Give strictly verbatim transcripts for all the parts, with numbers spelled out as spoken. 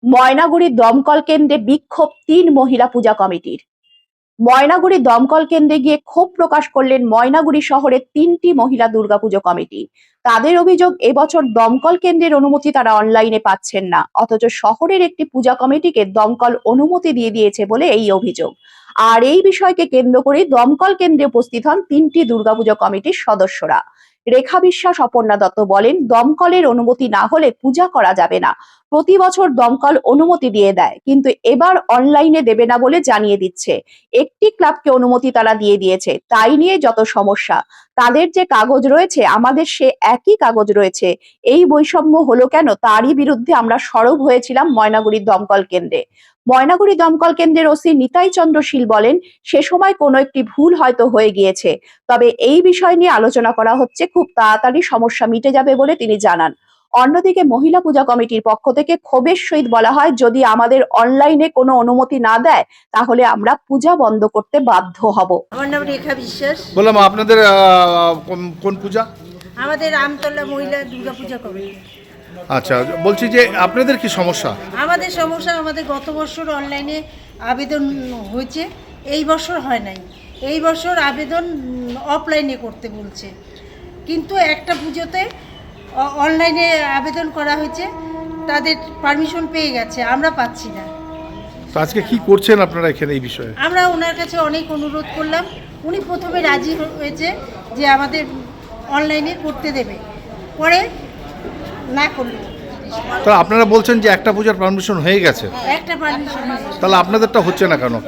ময়নাগুড়ি দমকল কেন্দ্রে বিক্ষোভ তিন মহিলা পূজা কমিটির। ময়নাগুড়ি দমকল কেন্দ্রে গিয়ে ক্ষোভ প্রকাশ করলেন ময়নাগুড়ি শহরের তিনটি মহিলা দুর্গাপুজো কমিটি। তাদের অভিযোগ, এবছর দমকল কেন্দ্রের অনুমতি তারা অনলাইনে পাচ্ছেন না, অথচ শহরের একটি পূজা কমিটিকে দমকল অনুমতি দিয়ে দিয়েছে বলে এই অভিযোগ। আর এই বিষয়কে কেন্দ্র করে দমকল কেন্দ্রে উপস্থিত হন তিনটি দুর্গাপুজো কমিটির সদস্যরা। রেখা বিশ্বাস, অপর্ণা দত্ত বলেন, দমকলের অনুমতি না হলে পূজা করা যাবে না। প্রতি বছর দমকল অনুমতি দিয়ে দেয়, কিন্তু এবার অনলাইনে দেবে না বলে জানিয়ে দিচ্ছে। একটি ক্লাবকে অনুমতি তারা দিয়ে দিয়েছে, তাই নিয়ে যত সমস্যা। তাদের যে কাগজ রয়েছে, আমাদের সে একই কাগজ রয়েছে। এই বৈষম্য হলো কেন, তারই বিরুদ্ধে আমরা সরব হয়েছিলাম ময়নাগুড়ি দমকল কেন্দ্রে। ময়নাগুড়ি দমকল কেন্দ্রের ওসি নিতাই চন্দ্র শীল বলেন, সে সময় কোনো একটি ভুল হয়তো হয়ে গিয়েছে, তবে এই বিষয় নিয়ে আলোচনা করা হচ্ছে, খুব তাড়াতাড়ি সমস্যা মিটে যাবে বলে তিনি জানান। অন্যদিকে মহিলা পূজা কমিটির পক্ষ থেকে ক্ষোভের সহিত বলা হয়, যদি আমাদের অনলাইনে কোনো অনুমতি না দেয় তাহলে আমরা পূজা বন্ধ করতে বাধ্য হব। আমার নাম রেখা বিশ্বাস। বললাম আপনাদের কোন পূজা? আমাদের আমতলা মহিলা দুর্গা পূজা কমিটি। আচ্ছা, বলছি যে আপনাদের কি সমস্যা? আমাদের সমস্যা, আমাদের গত বছর অনলাইনে আবেদন হয়েছে, এই বছর হয় নাই। এই বছর আবেদন অফলাইনে করতে বলছে, কিন্তু একটা পুজোতে অনলাইনে আবেদন করা হয়েছে, তাদের পারমিশন পেয়ে গেছে, আমরা পাচ্ছি না। তো আজকে কি করছেন আপনারা এখানে এই বিষয়ে? আমরা ওনার কাছে অনেক অনুরোধ করলাম, উনি প্রথমে রাজি হয়েছে যে আমাদের অনলাইনে করতে দেবে, পরে না করলো। তো আপনারা বলছেন যে একটা পূজার পারমিশন হয়ে গেছে, একটা পারমিশন, তাহলে আপনাদেরটা হচ্ছে না কেন?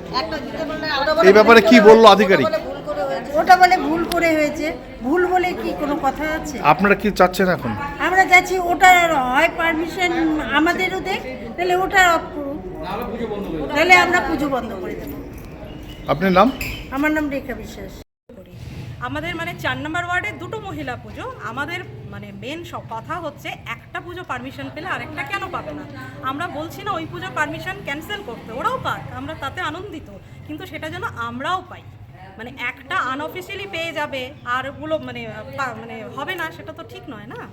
এই ব্যাপারে কি বললো আধিকারিক? ওটা বলে ভুল করে হয়েছে। ভুল বলে কি কোনো কথা আছে? আপনারা কি চাচ্ছেন এখন? আমরা যাচ্ছি ওটা হয় পারমিশন আমাদেরও দেখ, তাহলে ওটা অফ করুক, তাহলে আমরা পুজো বন্ধ করে দেবো। আপনার নাম? আমার নাম রেখা বিশ্বাস। আমাদের মানে চার নম্বর ওয়ার্ডে দুটো মহিলা পুজো, আমাদের মানে মেন সব কথা হচ্ছে একটা পুজো পারমিশন পেলে আরেকটা কেন পাবে না। আমরা বলছি না ওই পুজো পারমিশন ক্যান্সেল করতে, ওরাও পাক, আমরা তাতে আনন্দিত, কিন্তু সেটা যেন আমরাও পাই। মানে একটা আনঅফিসিয়ালি পেয়ে যাবে আর ওগুলো মানে মানে হবে না, সেটা তো ঠিক নয় না।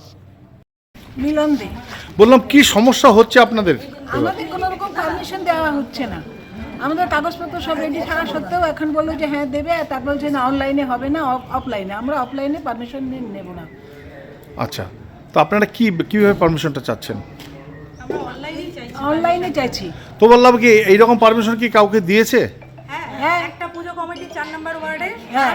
মিলন দে, বললাম কি সমস্যা হচ্ছে আপনাদের? আমাদের কোনো রকম পারমিশন দেওয়া হচ্ছে না। আমাদের কাগজপত্র সব রেডি থাকা সত্ত্বেও এখন বললো যে হ্যাঁ দেবে, আর তারপর বলছে না অনলাইনে হবে না, অফলাইনে। আমরা অফলাইনে পারমিশন নেব না। আচ্ছা, তো আপনারা কি কিভাবে পারমিশনটা চাচ্ছেন? আমরা অনলাইনেই চাইছি। অনলাইনে চাইছি। তো বললাম কি এইরকম পারমিশন কি কাউকে দিয়েছে? হ্যাঁ, হ্যাঁ। একটা পুজো কমিটি চার নম্বর ওয়ার্ডে। হ্যাঁ।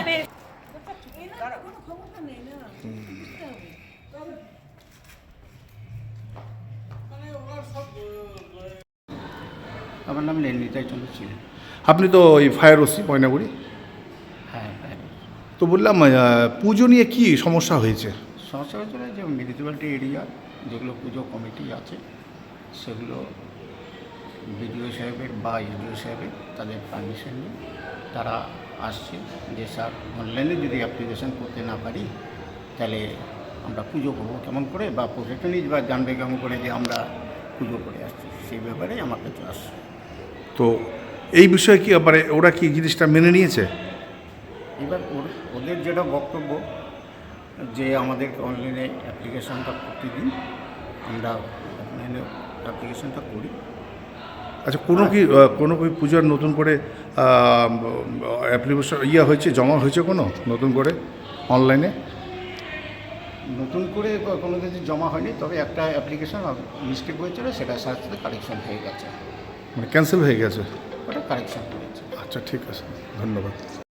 আমার নাম নিতাই চন্দ্র শীল। আপনি তো ওই ফায়ার ওসি ময়নাগুড়ি। হ্যাঁ হ্যাঁ, তো বললাম পুজো নিয়ে কি সমস্যা হয়েছে? সমস্যা হয়েছিল যে মিউনিসিপ্যালিটি এরিয়া যেগুলো পুজো কমিটি আছে সেগুলো বিডিও সাহেবের বা ইউডিও সাহেবের তাদের পারমিশন নিয়ে তারা আসছে যে স্যার অনলাইনে যদি অ্যাপ্লিকেশন করতে না পারি তাহলে আমরা পুজো করবো কেমন করে, বা প্রশাসনিক বা জানবে কেমন করে যে আমরা পুজো করে আসছি, সেই ব্যাপারেই আমার কাছে আসছে। তো এই বিষয়ে কি মানে ওরা কি জিনিসটা মেনে নিয়েছে? এবার ওদের যেটা বক্তব্য যে আমাদের অনলাইনে অ্যাপ্লিকেশনটা করতে দিন, আমরা অনলাইনে অ্যাপ্লিকেশনটা করি। আচ্ছা, কোনো কি কোনো কি পূজার নতুন করে অ্যাপ্লিকেশন ইয়ে হয়েছে, জমা হয়েছে কোনো নতুন করে অনলাইনে? নতুন করে কোনো কিছু জমা হয়নি, তবে একটা অ্যাপ্লিকেশন মিস্টেক হয়েছিল, সেটা সাথে সাথে কারেকশন হয়ে গেছে। মানে ক্যান্সেল হয়ে গেছে? ওটা কারেকশন হয়েছে। আচ্ছা, ঠিক আছে, ধন্যবাদ।